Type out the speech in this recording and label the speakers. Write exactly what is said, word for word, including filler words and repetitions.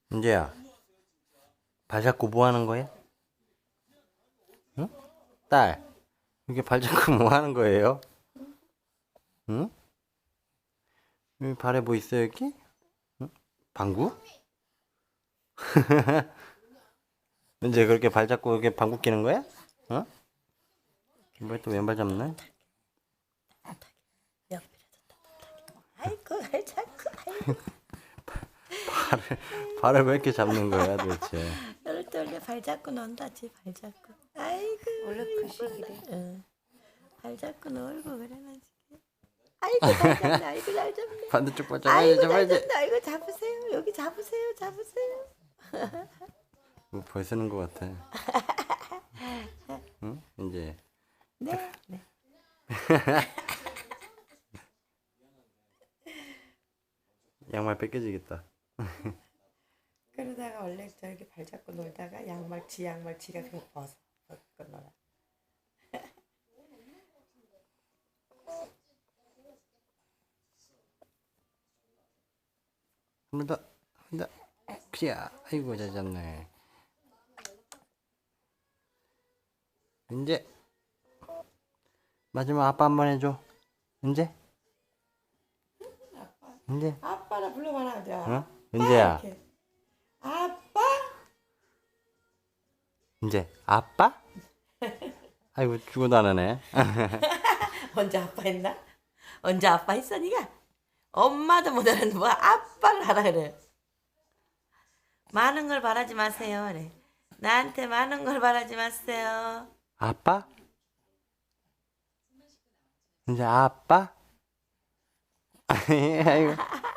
Speaker 1: 은재야, 발 잡고 뭐 하는 거야? 응? 딸, 이렇게 발 잡고 뭐 하는 거예요? 응? 여기 발에 뭐 있어, 여기? 응? 방구? 은재 그렇게 발 잡고 이렇게 방구 끼는 거야? 어? 왜 또 왼발 잡네?
Speaker 2: 아이고 발 잡고 아이고
Speaker 1: 발을, 발을 왜 이렇게 잡는 거야, 도대체?
Speaker 2: 이럴 때 원래 발 잡고 논다지 발 잡고 아이고
Speaker 3: 원래 그 시기래.
Speaker 2: 응. 발 잡고 놀고 그래가지고 아이고 잘 잡네 아이고 잘 잡네
Speaker 1: 반대쪽 발 잡아야지,
Speaker 2: 아이고 잘
Speaker 1: 잡아야지.
Speaker 2: 잡네 아이고 잡으세요 여기 잡으세요 잡으세요
Speaker 1: 뭐 벌 쓰는 거 같아. 응? 이제
Speaker 2: 네 네.
Speaker 1: 양말 뺏겨지겠다.
Speaker 2: 그러다가 원래 저렇게 발 잡고 놀다가 양말 지 양말 지가 그냥 벗어 벗고 놀아
Speaker 1: 한 번 더, 한 번 더. 그야, 아이고 잘 잡네. 이제 마지막 아빠 한 번 해줘. 이제, 이제,
Speaker 2: 아빠라 불러봐라 이제
Speaker 1: 어? 은재야,
Speaker 2: 이렇게. 아빠
Speaker 1: 이제 아빠? 아이고 죽어도 안 하네.
Speaker 2: 언제 아빠 했나? 언제 아빠 했어 니가? 엄마도 못 하는데 뭐 아빠를 하라 그래 많은 걸 바라지 마세요 그래 나한테 많은 걸 바라지 마세요
Speaker 1: 아빠? 이제 아빠? 아이고.